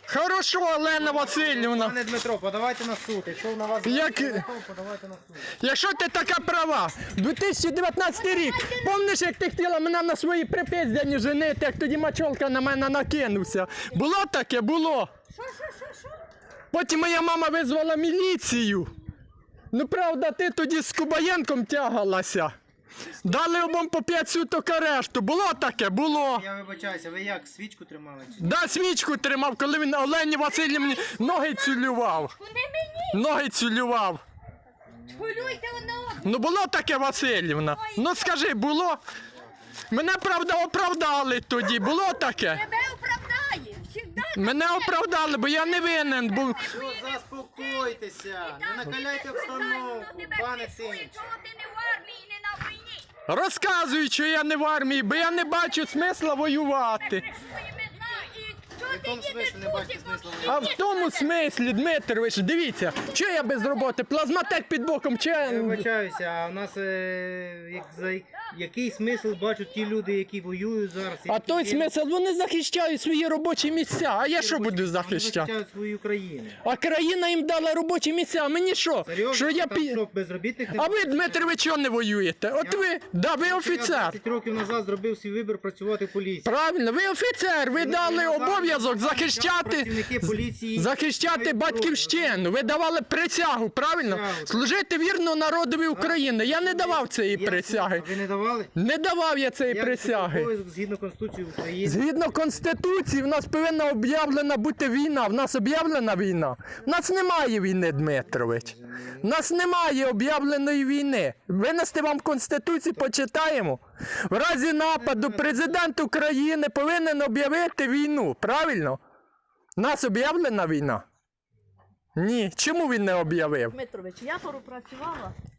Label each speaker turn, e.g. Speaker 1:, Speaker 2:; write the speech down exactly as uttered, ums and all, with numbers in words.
Speaker 1: Хорошо, Олена Васильівна.
Speaker 2: Пане Дмитро, подавайте на суд. Якщо на вас
Speaker 1: Як...
Speaker 2: подавайте на суд.
Speaker 1: Якщо ти така права, дві тисячі дев'ятнадцятий рік, пам'ятаєш, як ти хотіла мене на свої припиздяні женити, як тоді мачолка на мене накинувся? Було таке? Було.
Speaker 3: Що, що, що, що?
Speaker 1: Потім моя мама визвала міліцію. Ну, правда, ти тоді з Кубаєнком тягалася. Дали обом по п'ять суток арешту. Було таке? Було.
Speaker 2: Я вибачаюся, ви як, свічку тримали? Чи?
Speaker 1: Да, свічку тримав, коли він Олені Васильівні ноги цілював.
Speaker 3: Куди мені?
Speaker 1: Ноги цілював.
Speaker 3: Полюйте одне одного.
Speaker 1: Ну було таке, Васильівна? Ну скажи, було? Мене, правда, оправдали тоді. Було таке?
Speaker 3: Тебе оправдає. Всегда
Speaker 1: Мене оправдали, бо я не винен був.
Speaker 2: Ну, заспокойтеся, не накаляйте обстановку, пане Синч.
Speaker 3: Чого ти не в армії, не на війні?
Speaker 1: Розказуй, що я не в армії, бо я не бачу смисла воювати.
Speaker 3: Ти своїми знає. І чого
Speaker 2: В
Speaker 3: ти
Speaker 2: якому
Speaker 3: їдеш
Speaker 2: смислі не бачите смисла
Speaker 3: бусиком?
Speaker 1: А в тому смислі, Дмитрович, дивіться, що я без роботи? Плазматек під боком, чи
Speaker 2: Я
Speaker 1: я...
Speaker 2: вибачаюся, а у нас е, як, за, який смисл бачать ті люди, які воюють зараз?
Speaker 1: А
Speaker 2: які
Speaker 1: той
Speaker 2: є-
Speaker 1: смисл, вони захищають свої робочі місця, а я що буду
Speaker 2: Вони
Speaker 1: захищати?
Speaker 2: захищають свою країну.
Speaker 1: А країна їм дала робочі місця, а мені що?
Speaker 2: Серйозно?
Speaker 1: Що я
Speaker 2: Там
Speaker 1: пі...
Speaker 2: що, безробітних не
Speaker 1: А ви, Дмитрович, чого не воюєте? От ви, да, ви
Speaker 2: Я
Speaker 1: офіцер.
Speaker 2: двадцять років назад зробив свій вибір працювати в поліції.
Speaker 1: Правильно, ви офіцер, ви дали обов'язок захищати,
Speaker 2: Працівники поліції
Speaker 1: захищати
Speaker 2: мають
Speaker 1: батьківщину. Ви давали присягу, правильно?
Speaker 2: Присягу.
Speaker 1: Служити вірно народові України. Я не давав цієї
Speaker 2: Я-
Speaker 1: присяги.
Speaker 2: А ви не давали?
Speaker 1: Не давав я цієї
Speaker 2: Як це
Speaker 1: присяги.
Speaker 2: обов'язок згідно Конституції України?
Speaker 1: Згідно Конституції, в нас повинна об'явлена бути війна. В нас об'явлена війна. В нас немає війни, Дмитрович. В нас немає об'явленої війни. Винести вам Конституцію, почитаємо. В разі нападу президент України повинен об'явити війну. Правильно? В нас об'явлена війна? Ні. Чому він не об'явив?
Speaker 4: Дмитрович, я пропрацювала